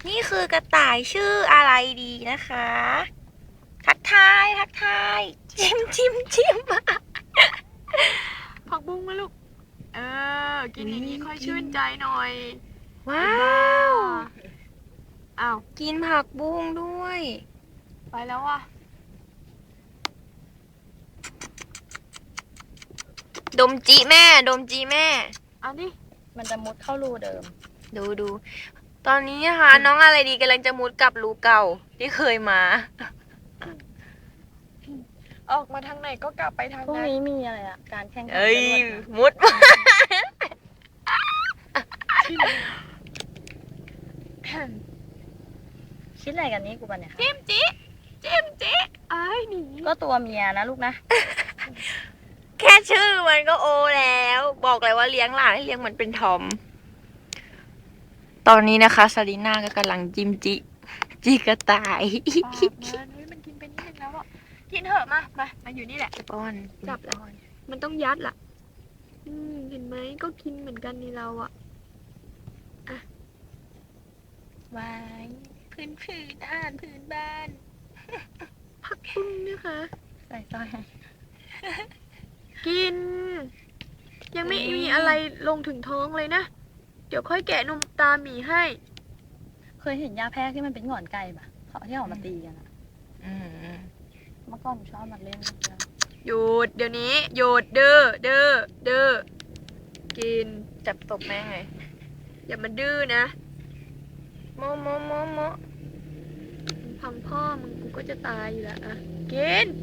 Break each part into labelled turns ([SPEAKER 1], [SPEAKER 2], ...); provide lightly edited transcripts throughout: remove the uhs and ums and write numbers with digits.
[SPEAKER 1] นี่คือกระต่ายชื่ออะไรดีนะคะ ทักทายทักทายจิ้มจิ้มจิ้ม
[SPEAKER 2] ผักบุ้งมาลูกกินอย่างนี้ค่อยชื่นใจหน่อย
[SPEAKER 1] ว้าว
[SPEAKER 2] อ้าว
[SPEAKER 1] กินผักบุ้งด้วย
[SPEAKER 2] ไปแล้วว่ะ
[SPEAKER 1] ดมจีแม่ ดมจีแม่
[SPEAKER 2] เอาดิ
[SPEAKER 3] มันจะมุดเข้ารูเดิม
[SPEAKER 1] ดู ตอนนี้นะคะ น้องอะไรดีกำลังจะมุดกลับรูเก่าที่เคยมา
[SPEAKER 2] ออกมาทางไหนก็กลับไปทาง
[SPEAKER 3] พรุ่ง
[SPEAKER 2] นั้น
[SPEAKER 3] นี้มีอะไรอะการแข่งขัน
[SPEAKER 1] เอ้ย
[SPEAKER 3] จรวดนะ
[SPEAKER 1] มุด
[SPEAKER 3] คิดอะไรกันนี่กูปะเนี่ย
[SPEAKER 2] จิ้มจิจิ้มจิไอ้หนี
[SPEAKER 3] ก็ตัวเมียนะลูกนะ
[SPEAKER 1] แค่ชื่อมันก็โอแล้ว บอกเลยว่าเลี้ยงหลานให้เลี้ยงเหมือนเป็นทอม ตอนนี้นะคะซารีน่าก็กำลังจิ้มจิกระต่าย
[SPEAKER 2] ปากมันมันกินไปนิดนึงแล้วอ่ะกินเถอะมาอยู่นี่แหละ
[SPEAKER 1] ป้อน
[SPEAKER 2] จับแล้ว มันต้องยัดล่ะ เห็นไหมก็กินเหมือนกันนี่เราอ่ะ
[SPEAKER 1] ไว้พื้นอาหารพื้นบ้าน
[SPEAKER 2] ผักบุ้งนะคะ
[SPEAKER 3] ใส่ต้อยให้
[SPEAKER 2] กิน ยังไม่มีอะไรลงถึงท้องเลยนะ เดี๋ยวค่อยแกะนมตาหมีให้
[SPEAKER 3] เคยเห็นยาแพรกที่มันเป็นหงอนไก่ปะเขาที่ออกมาตีกันอะ
[SPEAKER 1] อืม
[SPEAKER 3] เมื่อก่อนผมชอบมาเล่นกัน
[SPEAKER 2] หยุดเดี๋ยวนี้หยุดเด้อกิน
[SPEAKER 1] จับตบแม่ไง
[SPEAKER 2] อย่ามาดื้อนะ
[SPEAKER 1] โม
[SPEAKER 2] พังพ่อมึงกูก็จะตายอยู่แล้วอะกิน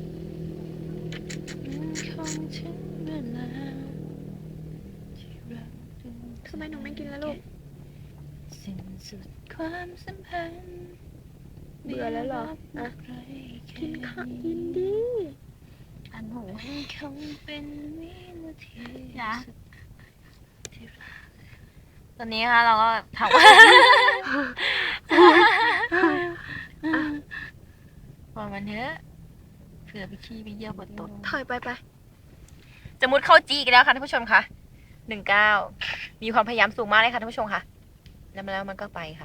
[SPEAKER 2] ทำไมหนูไม่กินแล้วลูก
[SPEAKER 3] สิ้นสุดความสัมพันธ์
[SPEAKER 2] เบื่อแล้วเหรออ่ะ กินข้าวกินดิ
[SPEAKER 3] อันหู
[SPEAKER 1] คงเป็นวินาที
[SPEAKER 3] นะ
[SPEAKER 1] ตอนนี้ค่ะเราก็ทำ พอมันเถอะเผื่อไปขี้ไปเยี่ยวบนโต๊ะ
[SPEAKER 2] ถอยไป
[SPEAKER 1] จะมุดเข้าจีกันแล้วค่ะท่านผู้ชมค่ะ19มีความพยายามสูงมากเลยค่ะท่านผู้ชมค่ะ แล้วมันก็ไปค่ะ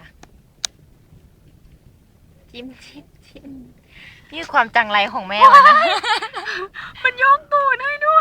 [SPEAKER 1] จิ้มนี่คือความจังไรของแม่มันนะ
[SPEAKER 2] มันยกตูดให้ด้วย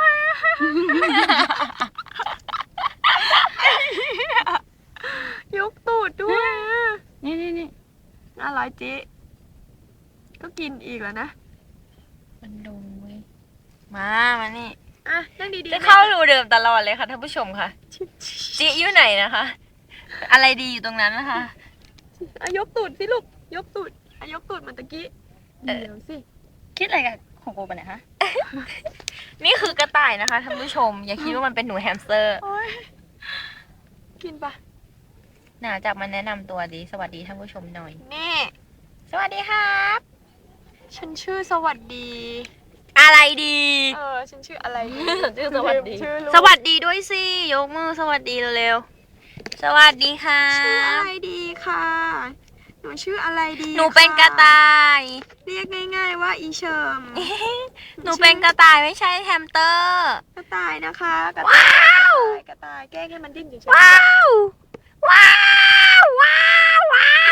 [SPEAKER 2] ยกตูดด้วย
[SPEAKER 3] นี่
[SPEAKER 2] น่ารักจิก็กินอีกแล้วนะ
[SPEAKER 1] มันดงเว้ยมานี่
[SPEAKER 2] อ่ะนั่งดีๆ
[SPEAKER 1] จะเข้ารูเดิมตลอดเลยค่ะท่านผู้ชมค่ะ จีอยู่ไหนนะคะ อะไรดีอยู่ตรงนั้นนะคะ
[SPEAKER 2] อ่ะยกตูดสิลูก ยกตูดอ่ะยกตูดเหมือนตะกี้ เดี๋ยวสิ
[SPEAKER 3] คิดอะไรกับของกูปะเนี่ยฮะ
[SPEAKER 1] นี่คือกระต่ายนะคะท่านผู้ชม อย่าคิดว่ามันเป็นหนูแฮมสเตอร์
[SPEAKER 2] โอ้ยกินปะ
[SPEAKER 1] จากมันแนะนำตัวดีสวัสดีท่านผู้ชมหน่อย
[SPEAKER 2] นี่
[SPEAKER 1] สวัสดีครับ
[SPEAKER 2] ฉันชื่อสวัสดี
[SPEAKER 1] อะไรดี
[SPEAKER 2] ฉันชื่ออะไรดี
[SPEAKER 3] ชื่อสวัสดี
[SPEAKER 2] ชื่อลูก
[SPEAKER 1] สวัสดีด้วยสิยกมือสวัสดีเร็วๆสวัสดีค่ะ
[SPEAKER 2] ชื่ออะไรดีค่ะ หนูชื่ออะไรดี
[SPEAKER 1] หนูเป็นกระต่าย
[SPEAKER 2] เรียกง่าย ๆ ว่าอีเฉิม
[SPEAKER 1] หนูเป็นกระต่ายไม่ใช่แฮมสเตอร์
[SPEAKER 2] กระต่ายนะคะกระต่าย
[SPEAKER 1] ว้าว
[SPEAKER 2] กระต่ายแกล้งให้มันดิ้นเฉย
[SPEAKER 1] ว้าวว้าวว้าว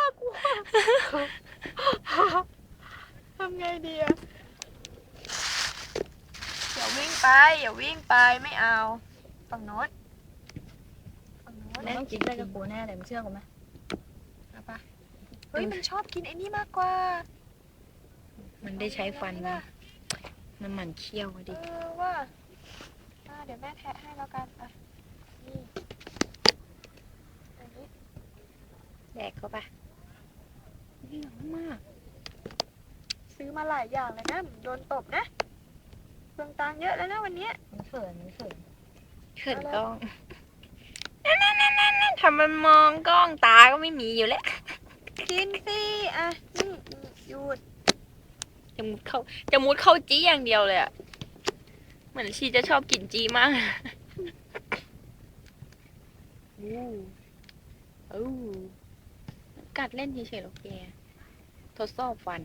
[SPEAKER 2] ๆทำไงดีอะอย่าวิ่งไปไม่เอาฝั่งโน้นฝั่งโน้น
[SPEAKER 3] มันต้องคิดอะไรกับกูแน่เลยมึงเชื่อกูไหม
[SPEAKER 2] เอาปะเฮ้ยมันชอบกินไอ้นี่มากกว่า
[SPEAKER 1] มันได้ใช้ฟันนะมันหมั่นเคี้ยวดิ
[SPEAKER 2] ว่าเดี๋ยวแม่แทะให้แล้วกันอ่ะนี่อันนี้
[SPEAKER 1] แดกเข้าไปนี่หนังมาก
[SPEAKER 2] ซื้อมาหลายอย่างเลยนะโดนตบนะเปลืองตังค์เยอะแล้วนะวันเนี้ย
[SPEAKER 3] มันเขิน
[SPEAKER 1] เขินกล้องนั่นทำมันมองกล้องตาก็ไม่มีอยู่แล้ว
[SPEAKER 2] กินสิอ่ะนี่หยุด
[SPEAKER 1] จะมุดเข้าจี้อย่างเดียวเลยอะเหมือนชีจะชอบกินจี้มากกัดเล่นเฉยๆหรอกแกทดสอบฟัน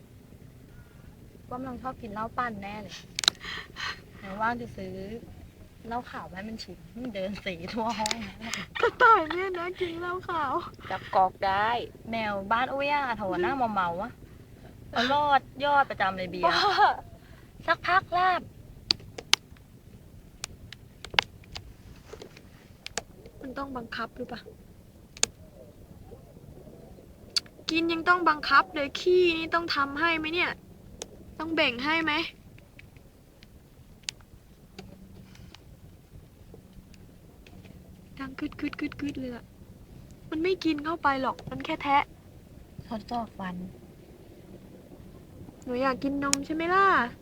[SPEAKER 3] ว่ามันชอบกินเหล้าปั่นแน่เลยไหนว่างจะซื้อเหล้าขาวให้มันชิมมันเดินสีทั่วห้องนะ
[SPEAKER 2] กระต่ายเนี่ยนะกินเหล้าขาว
[SPEAKER 1] จับกอกได้
[SPEAKER 3] แมวบ้านอุ้ยอะโถหน้าเมาๆอะเอายอดประจำเลยเบียร์
[SPEAKER 1] บ้าสักพักลาบ
[SPEAKER 2] มันต้องบังคับหรือเปล่ากินยังต้องบังคับเลยขี้นี่ต้องทำให้ไหมเนี่ย ต้องแบ่งให้ไหมดังกึดกึดกึดกึดเลยอะมันไม่กินเข้าไปหรอกมันแค่แทะ
[SPEAKER 1] ทดสอบฟัน
[SPEAKER 2] หนูอยากกินนมใช่ไหมล่ะ